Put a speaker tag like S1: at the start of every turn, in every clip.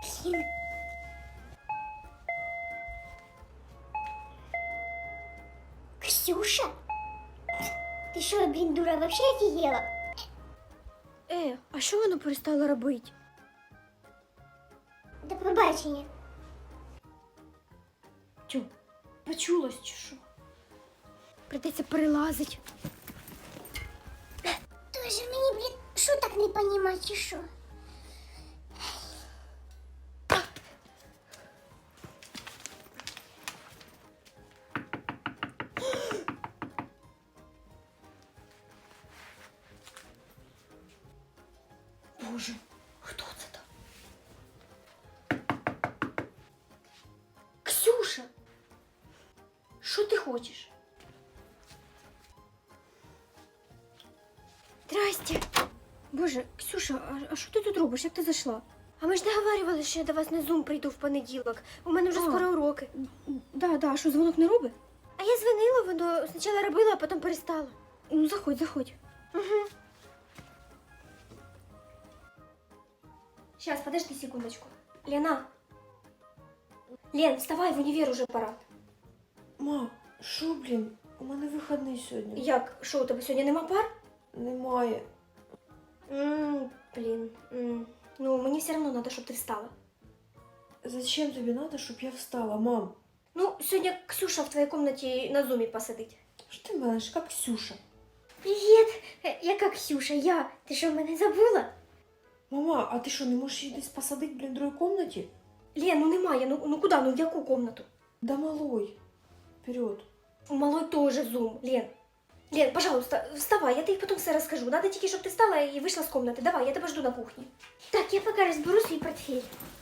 S1: Блин. Ксюша? Ты что, блин, дура, вообще офигела?
S2: А що воно перестало робити?
S1: До побачення.
S2: Тю, почулось чи що? Придеться перелазить.
S1: Тоже мені, блін, шуток не понімати, чи що?
S2: Боже, хто це там? Ксюша! Що ти хочеш? Здрасте. Боже, Ксюша, а що ти тут робиш? Як ти зайшла? А ми ж договарювали, що я до вас на Zoom прийду в понеділок. У мене вже скоро уроки. Да, а що, дзвонок не робить? А я дзвонила, воно спочатку робила, а потім перестала. Ну, заходь. Угу. Сейчас, подожди секундочку. Лена. Лен, вставай, в універ уже пора.
S3: Ма, що, блін? У мене вихідний сьогодні.
S2: Як? Що, у тебе сьогодні нема пар?
S3: Немає.
S2: Блін. Ну, мені все одно треба, щоб ти встала.
S3: Зачем тобі треба, щоб я встала, мам?
S2: Ну, сьогодні Ксюша в твоїй кімнаті на зумі посидить.
S3: Що ти менеш, як Ксюша?
S2: Привіт! Яка Ксюша? Я? Ти що, мене забула?
S3: Мама, а ти що, не можеш її десь посадити, блін, в другій кімнаті?
S2: Лен, ну немає. Ну куди? Ну в яку кімнату?
S3: Да малой. Вперед.
S2: У малой тоже зум, Лен. Лен, пожалуйста, вставай, я тобі потім все розкажу. Надо тільки, щоб ти встала і вийшла з кімнати. Давай, я тебе жду на кухні. Так, я поки розберу свій портфель.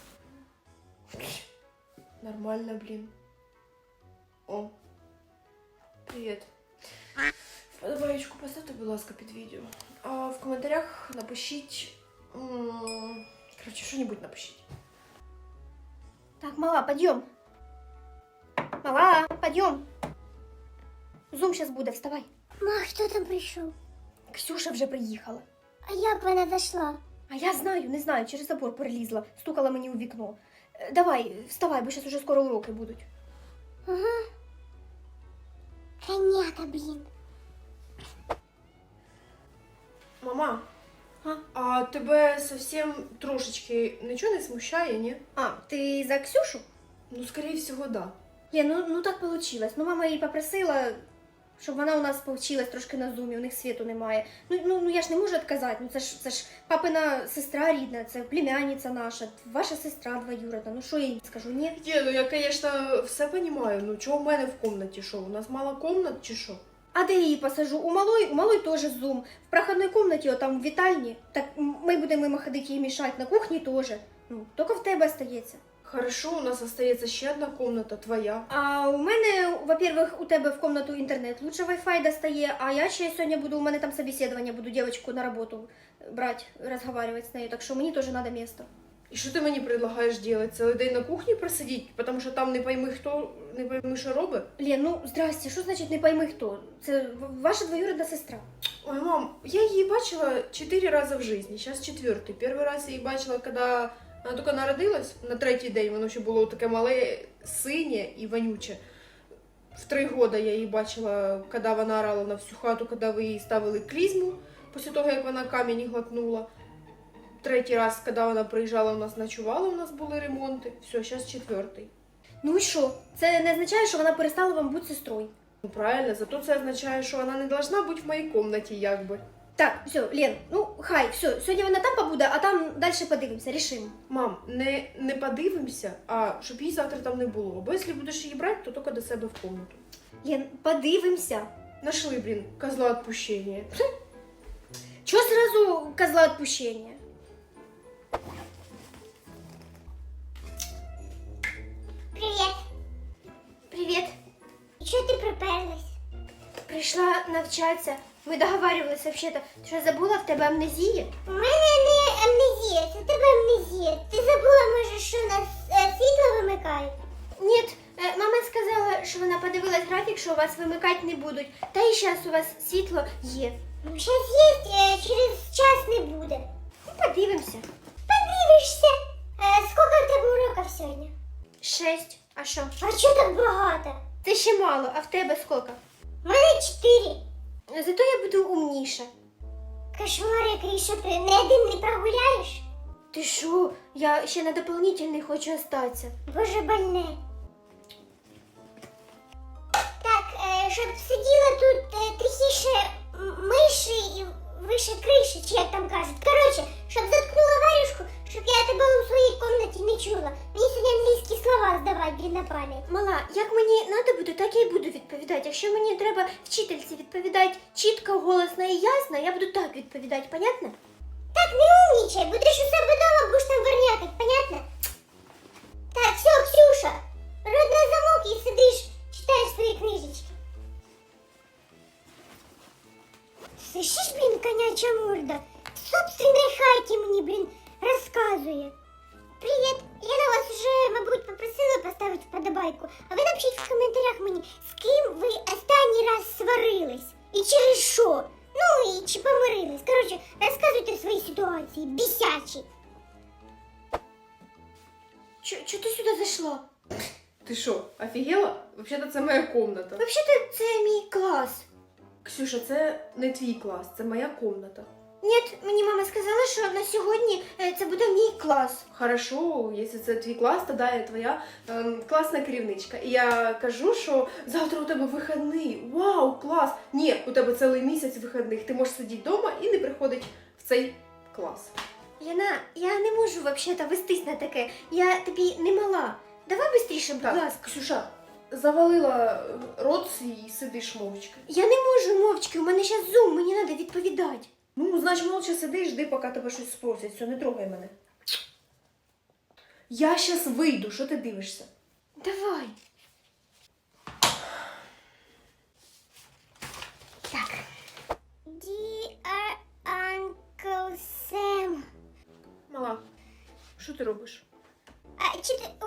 S3: Нормально, блін. О. Привіт. Вподобаєчку поставте, будь ласка, під відео. А в коментарях напишіть... Короче, що-небудь напишіть.
S2: Так, мала, подъем. Мала, подъем. Зум сейчас буде, вставай.
S1: Ма, хто там прийшов?
S2: Ксюша вже приїхала.
S1: А як вона зайшла?
S2: А я знаю, не знаю, через забор перелізла, стукала мені у вікно. Давай, вставай, бо зараз уже скоро уроки будуть.
S1: Ага. Коняка, блін.
S3: Мама,
S2: А?
S3: а тебе совсем трошечки нічого не смущає, ні?
S2: А, ти за Ксюшу?
S3: Ну, скорее всего, да.
S2: Лен, ну так получилось. Ну мама її попросила, щоб вона у нас повчилась трошки на зумі, у них світу немає. Ну я ж не можу відказати, ну це ж папина сестра рідна, це племянниця наша, ваша сестра двоюродна. Ну що я їй скажу, ні?
S3: Ні, ну я, конечно, все понимаю. Ну чого в мене в комнаті, що? У нас мало комнат чи що?
S2: А де я її посажу? У малої теж зум. В проходной комнаті, там в вітальні. Так ми будемо мимо ходити їй мішати, на кухні теж. Ну, тільки в тебе остається.
S3: Хорошо, у нас остається ще одна комната, твоя.
S2: А у мене, во-первых, у тебе в комнату інтернет лучше Wi-Fi достає, а я ще сьогодні буду, у мене там собеседування, буду дівчинку на роботу брати, розговорювати з нею, так що мені теж треба місце.
S3: І що ти мені предлагаєш робити? Цілий день на кухні просидіти? Тому що там не пойми хто, не пойми що робить?
S2: Лен, ну здрасте, що значить не пойми хто? Це ваша двоюрідна сестра.
S3: Ой, мам, я її бачила 4 рази в житті, зараз 4-й. Перший раз я її бачила, коли вона тільки народилась, на 3-й день, воно ще було таке мале, синє і вонюче. В 3 роки я її бачила, коли вона орала на всю хату, коли ви їй ставили клізму, після того, як вона камінь глотнула. 3-й раз, коли вона приїжджала, у нас ночувала, у нас були ремонти. Все, зараз 4-й.
S2: Ну і що? Це не означає, що вона перестала вам бути сестрою.
S3: Ну правильно, зато це означає, що вона не должна бути в моїй кімнаті, якби.
S2: Так, все, Лен, ну хай, все, сьогодні вона там побуде, а там далі подивимося, рішимо.
S3: Мам, не подивимося, а щоб її завтра там не було. Бо якщо будеш її брати, то тільки до себе в кімнату.
S2: Лен, подивимося.
S3: Нашли, блін, козла відпущення.
S2: Чого сразу козла відпущення?
S1: Привіт.
S2: Привіт.
S1: І чого ти приперлась?
S2: Прийшла навчатися. Ми договарювалися взагалі. Ти що, забула, в тебе амнезія?
S1: У мене не амнезія, це в тебе амнезія. Ти забула, може, що у нас світло вимикають?
S2: Ні, мама сказала, що вона подивилась графік, що у вас вимикати не будуть. Та і зараз у вас світло є.
S1: Зараз є, через час не буде.
S2: Ну, подивимося.
S1: Подивишся. Скільки в тебе
S2: 6. А що?
S1: А чого так багато?
S2: Це ще мало, а в тебе скільки?
S1: У мене 4.
S2: Зато я буду умніша.
S1: Кошмар який, що ти не один не прогуляєш?
S2: Ти що? Я ще на дополнительний хочу остатися.
S1: Боже, больне. Так, щоб сиділа тут тихіше миші і вище криші, чи як там кажуть. Коротше, щоб заткнула варюшку, щоб я тебе у своїй кімнаті не чула. Мені сьогодні англійські слова здавати, блін, на пам'ять.
S2: Мала, як мені треба буде, так я й буду відповідати. Якщо мені треба вчительці відповідати чітко, голосно і ясно, я буду так відповідати, понятно?
S1: Так, не умнічай, будеш у себе вдома, будеш там вернятик, понятно? Так, все, Ксюша, рот на замок і сидиш, читаєш свої книжечки. Слышиш, блін, коняча морда? В собственной хаті мені, блін, розказує. Привіт, я на вас вже, мабуть, попросила поставити вподобайку, а ви напишіть в коментарях мені, з ким ви останній раз сварились і через що? Ну і чи помирились. Коротше, розказуйте свої ситуації, бісячі.
S2: Чого ти сюди зайшла?
S3: Ти що, офігела? Взагалі це моя комната.
S2: Взагалі, це мій клас.
S3: Ксюша, це не твій клас, це моя комната.
S2: Ні, мені мама сказала, що на сьогодні це буде мій клас.
S3: Хорошо, якщо це твій клас, тоді я твоя класна керівничка. І я кажу, що завтра у тебе вихідний. Вау, клас! Ні, у тебе цілий місяць вихідних. Ти можеш сидіти вдома і не приходити в цей клас.
S2: Яна, я не можу взагалі вестись на таке. Я тобі не мала. Давай швидше, будь
S3: Так,
S2: ласка.
S3: Ксюша, завалила рот свій і сидиш мовчки.
S2: Я не можу мовчки, у мене зараз зум, мені треба відповідати.
S3: Ну, значить, молча сиди і жди, поки тебе щось спросять. Все, не трогай мене. Я щас вийду, що ти дивишся?
S2: Давай.
S1: Так. Dear Uncle Sam.
S3: Мала, що ти робиш?
S1: А чи ти,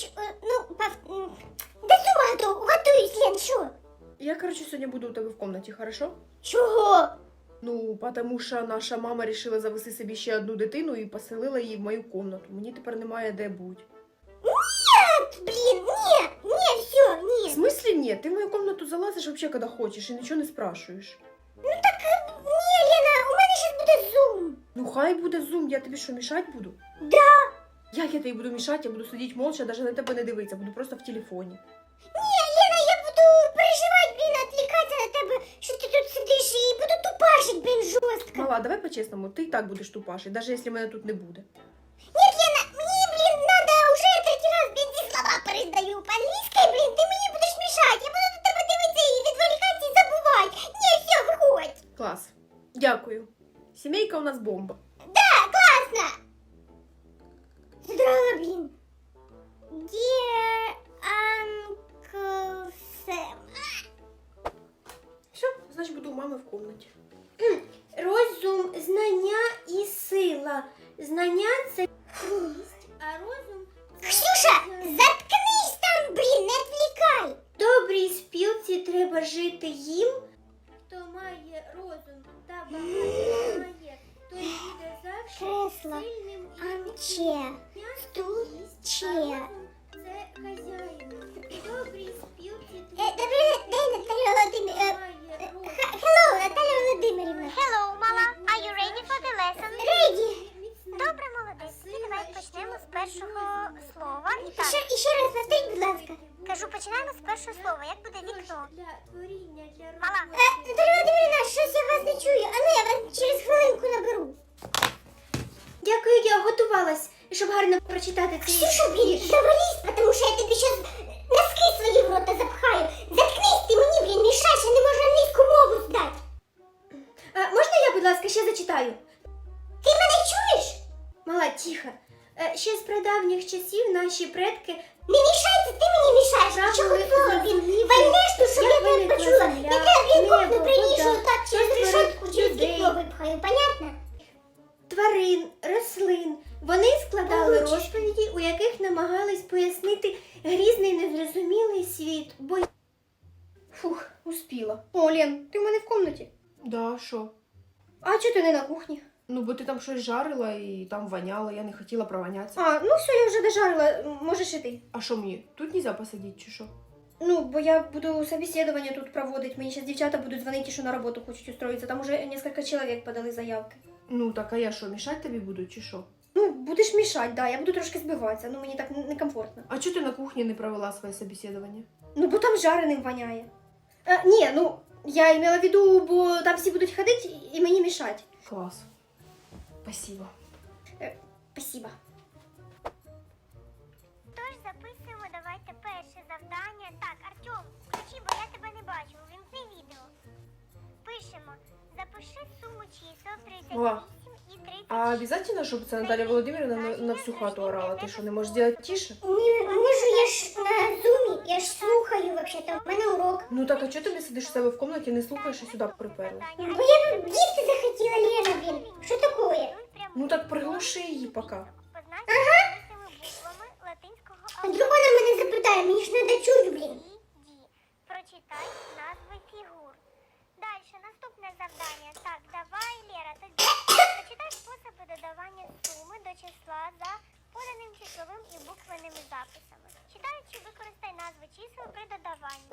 S1: до цього готуюсь, Лен, що?
S3: Я, короче, сьогодні буду у тебе в комнаті, хорошо?
S1: Чого?
S3: Ну, потому що наша мама вирішила завести собі ще одну дитину і поселила її в мою комнату. Мені тепер немає де бути.
S1: Блін, ні, все,
S3: В
S1: ні.
S3: смислі ні? Ти в мою комнату залазиш вообще, коли хочеш і нічого не спрашуєш.
S1: Ні, Лена, у мене зараз буде зум.
S3: Ну, хай буде зум, я тобі що, мішати буду?
S1: Да.
S3: Як я тобі буду мішати? Я буду сидіти молча, навіть на тебе не дивитися, буду просто в телефоні.
S1: Ні, Лена, я буду переживати, блін, відвлікатися на тебе, що ти тут сидиш і буду тупашить, блін, жорстко.
S3: Мала, давай по-чесному, ти і так будеш тупашити, навіть якщо мене тут не буде.
S1: Нет, Лена, мне, блин, надо уже третій раз, блин, ці слова передаю по-англійськи, блин, ти мені будеш мішати, я буду до тебе дивитися і відволікатися і забувати. Ні, все, виходь.
S3: Клас. Дякую. Сімейка у нас бомба.
S1: Да, класно. Задрала, блин. Dear Uncle Sam.
S3: Все, значить буду у мами в комнаті.
S2: Розум, знання і сила. Знання це міст, а розум це...
S1: Ксюша, заткнись там, блин, не відвлікай.
S2: Добрій спілці треба жити їм. Хто має розум та багато має, той буде завжди
S1: Кресло,
S2: сильним і
S1: армче, стул,
S2: а
S1: че.
S2: розум це хазяїн. Добрій спілці
S1: Добрий день, Наталя Володимирівна.
S2: має розум.
S1: Hello, Наталя Володимирівна.
S4: Hello, мала. Are you ready for the lesson?
S1: Ready.
S4: Добре, молодець. Тоді давай почнемо з першого слова. І так,
S1: Ще раз повторіть, будь ласка.
S4: кажу, починаємо з першого слова. Як буде вікно?
S2: Для творіння, для
S4: Мала.
S2: роботи.
S1: Наталя Володимирівна, щось я вас не чую. А ну, я вас через хвилинку наберу.
S2: Дякую, я готувалась, щоб гарно прочитати цей
S1: Ксюша, блін, завались, потому що я тобі щас носки свої в рота запхаю. Заткнись ти мені, блін, мішаєш, я не можу англійську мову здати.
S2: Можна я, будь ласка, ще зачитаю?
S1: Ти мене чуєш?
S2: Мала, тихо. Ще з прадавніх часів наші предки
S1: Не мішайся, ти мені мішаєш. Ти чого
S2: Правили
S1: хотіла, блін?
S2: зрозуміти,
S1: Вальнеш ту, щоб
S2: як
S1: я тебе
S2: виникла
S1: почула.
S2: земля,
S1: Я тебе, блін, кухню
S2: небо,
S1: приніжу
S2: вода,
S1: так через
S2: що
S1: решетку,
S2: створив
S1: через
S2: людей.
S1: вікно випхаю, понятно?
S2: тварин, рослин. Вони складали
S1: Получиш.
S2: розповіді, у яких намагались пояснити грізний незрозумілий світ. Бо... Фух, успіла. О, Лен, ти в мене в комнаті.
S3: Да, що?
S2: А чого ти не на кухні?
S3: Ну, бо ти там щось жарила і там воняло, я не хотіла провонятися.
S2: А, ну все, я вже дожарила, можеш іти.
S3: А що мені? Тут нельзя посадити чи що?
S2: Ну, бо я буду собеседование тут проводить. Мені зараз дівчата будуть дзвонити, що на роботу хочуть устроїтися. Там уже несколько чоловік подали заявки.
S3: Ну, так, а я що, мішати тобі буду чи що?
S2: Ну, будеш мішати, да, я буду трошки збиватися, ну мені так некомфортно.
S3: А чого ти на кухні не провела своє собеседування?
S2: Ну, бо там жареним воняє. Ні, ну, я имела в виду, бо там всі будуть ходити і мені мішати.
S3: Клас. Спасибо.
S2: Спасибо.
S4: Тож записуємо, давайте перше завдання. Так, Артем, включи, бо я тебе не бачу. Увімкни відео. Пишемо. Запиши суму чисел 38
S3: О.
S4: і 36.
S3: А обязательно, щоб це Наталя Володимирівна на всю хату орала? Ти що, не можеш зробити тише?
S1: Не можу, я ж на зумі, я ж слухаю вообще-то, у мене урок.
S3: Ну так, а чого ти не сидиш у себе в кімнаті, не слухаєш і сюди приперла?
S1: Бо я б їсти захотіла, Лена, блін. Що таке?
S3: Ну так приглуши її поки.
S4: Позначимо буквами латинського
S1: А вдруг вона мене запитає, мені ж треба чути, блін.
S4: Ді. Прочитай назви фігур. Дальше, наступне завдання. Так, давай, Лера, тоді прочитай способи додавання суми до числа за поданим числовим і буквенними записами. Читаючи, використай назви чисел при додаванні.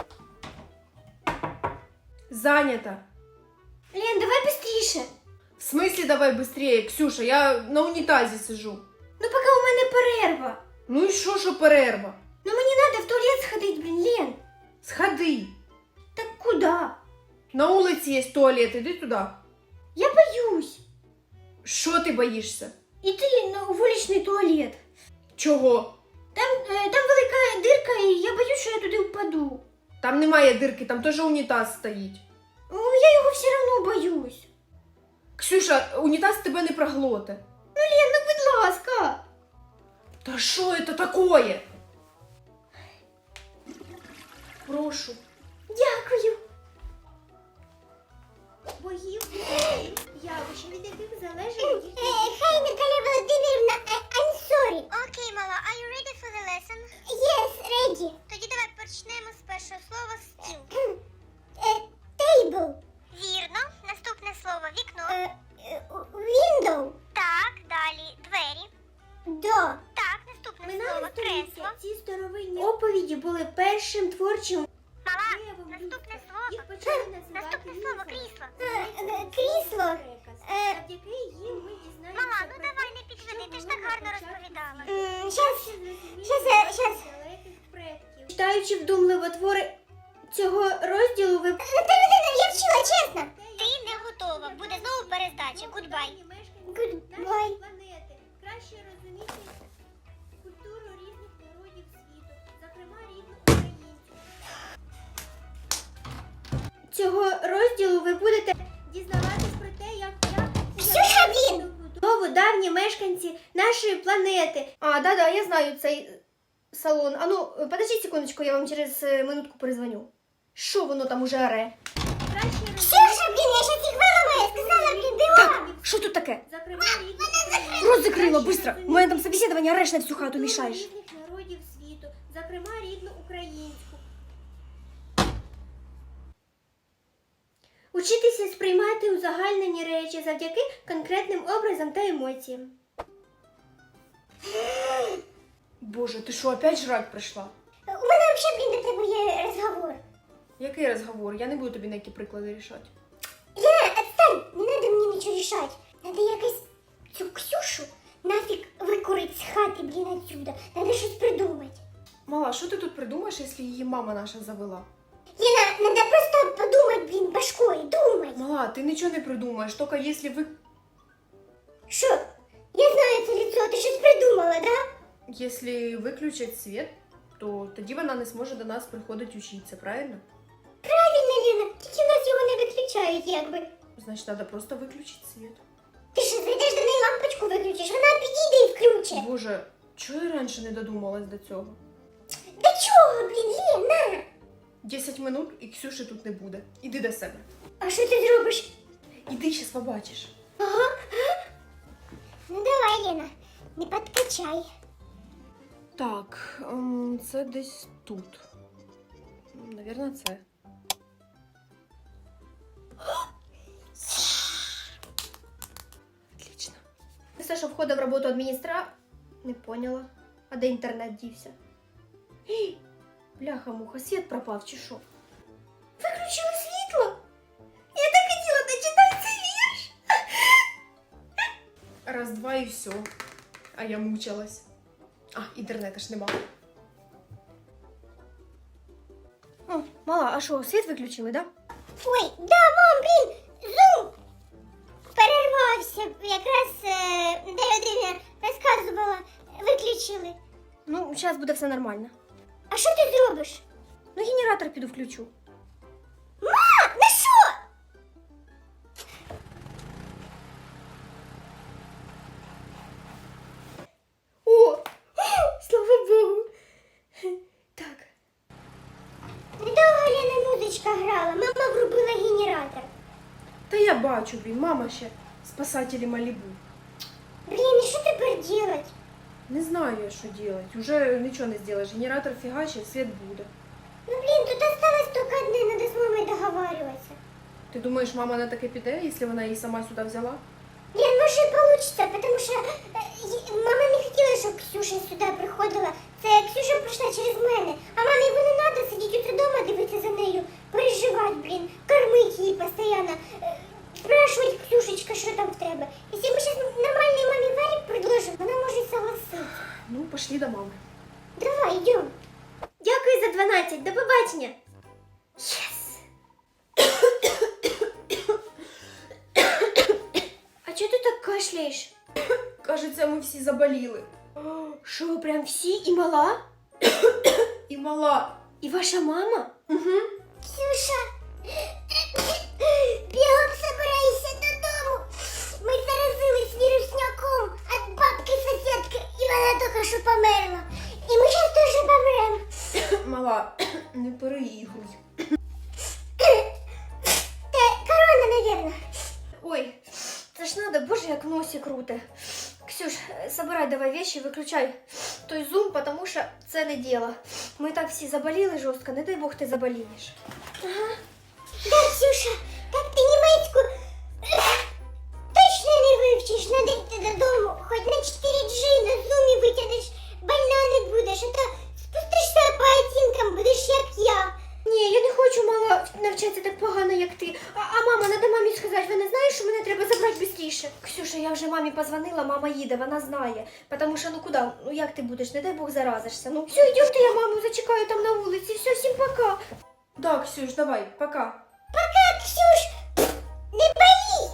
S3: Зайнята.
S2: Лен, давай быстріше.
S3: В смысле давай быстрее, Ксюша, я на унітазі сижу.
S2: Ну, поки у мене перерва.
S3: Ну і що перерва?
S2: Ну, мені треба в туалет сходити, блін, Лен.
S3: Сходи.
S2: Так куди?
S3: На вулиці є туалет, іди туди.
S2: Я боюсь.
S3: Що ти боїшся?
S2: Іти на вуличний туалет.
S3: Чого?
S2: Там велика дирка, і я боюсь, що я туди впаду.
S3: Там немає дирки, там теж унітаз стоїть.
S2: Ну, я його все одно боюсь.
S3: Ксюша, унітаз тебе не проглоте.
S2: Лен, ну будь ласка.
S3: Та що це такое? Прошу.
S2: Дякую. Боїв явища, від яких залежить
S1: Хай, Наталя Володимирівна, I'm sorry.
S4: Окей, мала, are you ready for the lesson?
S1: Yes, ready.
S4: Тоді давай почнемо з першого слова стіл.
S1: Table.
S4: Вірно. Наступне слово вікно.
S1: Window.
S4: Так, далі двері.
S1: Door.
S4: Так, наступне слово кресло.
S2: ці старовинні оповіді були першим творчим
S4: Мала,
S2: проявом
S4: наступне
S2: людства.
S4: слово.
S2: Їх почали називати
S4: Наступне слово
S2: міфами.
S4: крісло.
S1: Крісло.
S2: Завдяки їм ми дізнаємося
S4: Мала, ну
S2: про
S4: давай
S2: те,
S4: не підведи,
S2: що
S4: ти ж
S2: було
S4: так
S2: на
S4: гарно
S2: початку
S4: розповідала.
S2: світу.
S1: Щас.
S2: Далеких предків. Читаючи вдумливо твори цього розділу, ви
S1: Наталя Володимирівна, я вчила, чесно.
S4: Ти не готова. Буде знову перездача. Гудбай.
S1: Goodbye.
S2: нашої планети. Краще розуміти культуру різних народів світу, зокрема рідну українців. Цього розділу ви будете дізнаватись про те, як
S1: Ксюша, блін!
S2: Знову давні мешканці нашої планети. А, да, я знаю цей салон. А ну, подождіть секундочку, я вам через минутку перезвоню. Що воно там уже оре?
S1: Ксюша, блін, я щас їх виламаю, сказала, блін, бігом.
S2: Так, що тут таке? Рот закрила, быстро. У мене там собеседування, ореш на всю хату мішаєш. Різних народів світу, зокрема рідну українську. Учитися сприймати узагальнені речі завдяки конкретним образам та емоціям.
S3: Боже, ти що, опять жрать прийшла?
S1: У мене взагалі, блін, до тебе є розговор.
S3: Який розговор? Я не буду тобі на які приклади рішати.
S1: Лена, отстань, не треба мені нічого рішати. Надо якось цю Ксюшу нафіг викурить з хати, блін, отсюда. Надо щось придумати.
S3: Мала, що ти тут придумаєш, якщо її мама наша завела?
S1: Лена, надо просто подумати, блін, башкою, думати.
S3: Мала, ти нічого не придумаєш, тільки якщо ви...
S1: Що? Я знаю це лицо, ти щось придумала, да?
S3: Якщо виключать світ, то тоді вона не зможе до нас приходити вчитися, правильно?
S1: Правильно, Лена, тільки в нас його не виключають, якби.
S3: Значить, треба просто виключити світ.
S1: Ти що, зайдеш до неї лампочку виключиш, вона підійде і включить.
S3: Боже, чого я раніше не додумалась до цього?
S1: До чого, блін, Лена?
S3: 10 минут і Ксюші тут не буде. Іди до себе.
S1: А що ти зробиш?
S3: Іди, щас побачиш.
S1: Ага. Ну давай, Лена, не подкачай.
S3: Так, це десь тут. Навірно, це. Отлично.
S2: написав, що входить в роботу Не поняла. А де інтернет дівся? Гей, бляха-муха, світ пропав чи що? Виключили світло? Я так хотіла дочитати цей вірш.
S3: Раз-два і все. А я мучилась. А, інтернету ж нема.
S2: О, мала, а що, світ виключили, да?
S1: Ой, да, мам, блін, зум перервався. Якраз де Родина розказувала, виключили.
S2: Ну, зараз буде все нормально.
S1: А що ти зробиш?
S2: Ну, генератор піду включу.
S1: Ма, на що?
S2: О, слава Богу. Так.
S1: Недовго Лена музичка грала, мама врубила генератор.
S3: Та я бачу, блін, мама ще спасателі Малібу.
S1: Блін, і що тепер делать?
S3: Не знаю я, що делать. Уже нічого не зробиш. Генератор фігачить, світ буде.
S1: Ну, блін, тут осталось тільки одне, надо з мамою договарюватися.
S3: Ти думаєш, мама на таке піде, якщо вона її сама сюди взяла?
S1: Лен, може і получится, потому що мама не хотіла, щоб Ксюша сюди приходила. Це Ксюша прийшла через мене. А мамі йому не треба сидіти тут вдома, дивитися за нею, переживати, блін, кормити її постійно, спрашувати, Ксюшечка, що там в тебе. Якщо ми зараз нормальний мамі варік предложимо, вона може і согласитися.
S3: Ну, пошли до мами.
S1: Давай, йдемо.
S2: Дякую за 12. До побачення. Єс. А чого ти так кашляєш?
S3: Кажеться, ми всі заболіли.
S2: Що, прям всі? І мала?
S3: І мала.
S2: І ваша мама?
S3: Угу.
S1: Ксюша, бігом собирайся додому. Ми заразились вірусняком від бабки-сусідки, і вона тільки що померла. І ми зараз теж помремо.
S3: Мала, не переігруй.
S1: Це корона, навірно.
S2: Ой, це ж надо, боже, як в носі круте. Ксюш, собирай давай вещи, виключай той зум, потому що це не діло. Ми так всі заболіли жорстко, не дай Бог ти заболієш.
S1: Да, Ксюша, так ти німецьку точно не вивчиш. Надо йти додому. Хоч на 4G на зумі витягнеш, больна не будеш. А то спустишся по оцінкам, будеш як я.
S2: Ні, я не хочу, мала, навчатися так погано, як ти. А мама, надо мамі сказати, вона знає, що мене треба забрати швидше. Ксюша, я вже мамі позвонила, мама їде, вона знає. Потому що, ну куди, ну як ти будеш, не дай Бог заразишся. Ну все, йдемте, я маму зачекаю там на вулиці, все, всім пока.
S3: Да, Ксюш, давай, пока.
S1: Пока, Ксюш, не болі.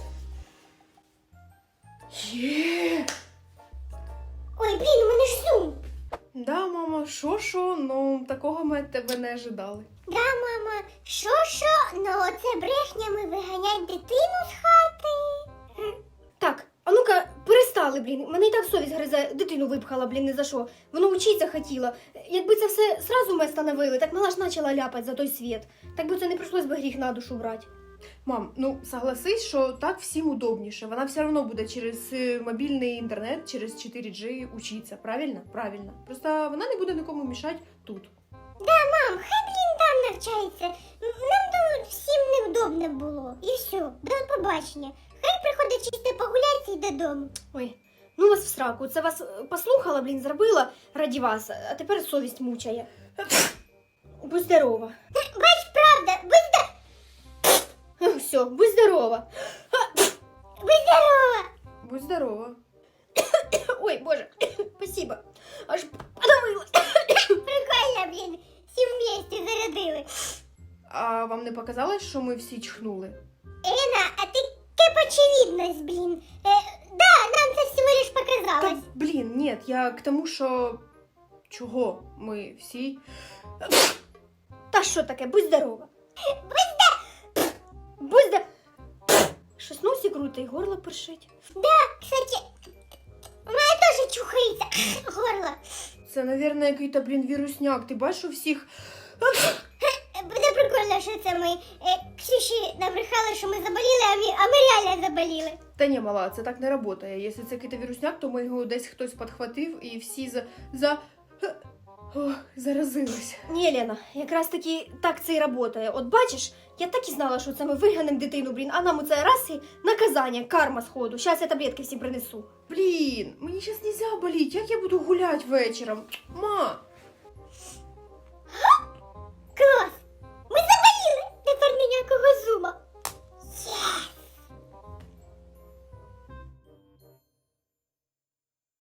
S3: Є.
S1: Ой, блін, у мене ж зум.
S3: Да, мама, що, ну такого ми від тебе не ожидали.
S1: Да, мама, що, ну оце брехнями виганять дитину з хати.
S2: Так, а ну-ка, перестали, блін. Мене і так совість гризе, дитину випхала, блін, не за що. Воно вчиться хотіла. Якби це все сразу ми встановили, так мала ж почала ляпати за той світ. Так би це не прийшлось би гріх на душу брати.
S3: Мам, ну согласись, що так всім удобніше. Вона все одно буде через мобільний інтернет, через 4G учиться. Правильно? Правильно. Просто вона не буде нікому мішати тут.
S1: Да, мам, хай, блін, там навчається. Нам тут всім невдобно було. І все, до побачення. Хай приходить чисто погуляти і додому.
S2: Ой, ну вас в сраку. Це вас послухала, блін, зробила раді вас, а тепер совість мучає. Будь здорова.
S1: Бач, правда,
S2: Все, будь здорова.
S1: будь здорова.
S3: Будь здорова.
S2: Ой, боже, спасибо. Аж подавила.
S1: Прикольно, блін, всі вместе зарядили.
S3: А вам не показалось, що ми всі чхнули?
S1: Елена, а ти кеп очевидність, блін. Да, нам це всього лиш показалось.
S3: Та, блін, ні, я к тому, що чого ми всі...
S2: Та що таке, будь здорова. Будь здорова. Щось носі круто і горло першить.
S1: Да, кстати, у мене теж чухається горло.
S3: Це, мабуть, який-то, блін, вірусняк. Ти бачиш у всіх...
S1: Буде прикольно, що це ми Ксюші набрехали, що ми заболіли, а ми реально заболіли.
S3: Та ні, мала, це так не працює. Якщо це якийсь вірусняк, то ми його десь хтось підхватив і всі Ох, заразилась.
S2: Ні, Лена, якраз таки так це і працює. От бачиш, я так і знала, що це ми виганемо дитину, блін, а нам у це раз і наказання, карма сходу. Щас я таблетки всім принесу.
S3: Блін, мені зараз нельзя боліти, як я буду гуляти вечором? Ма,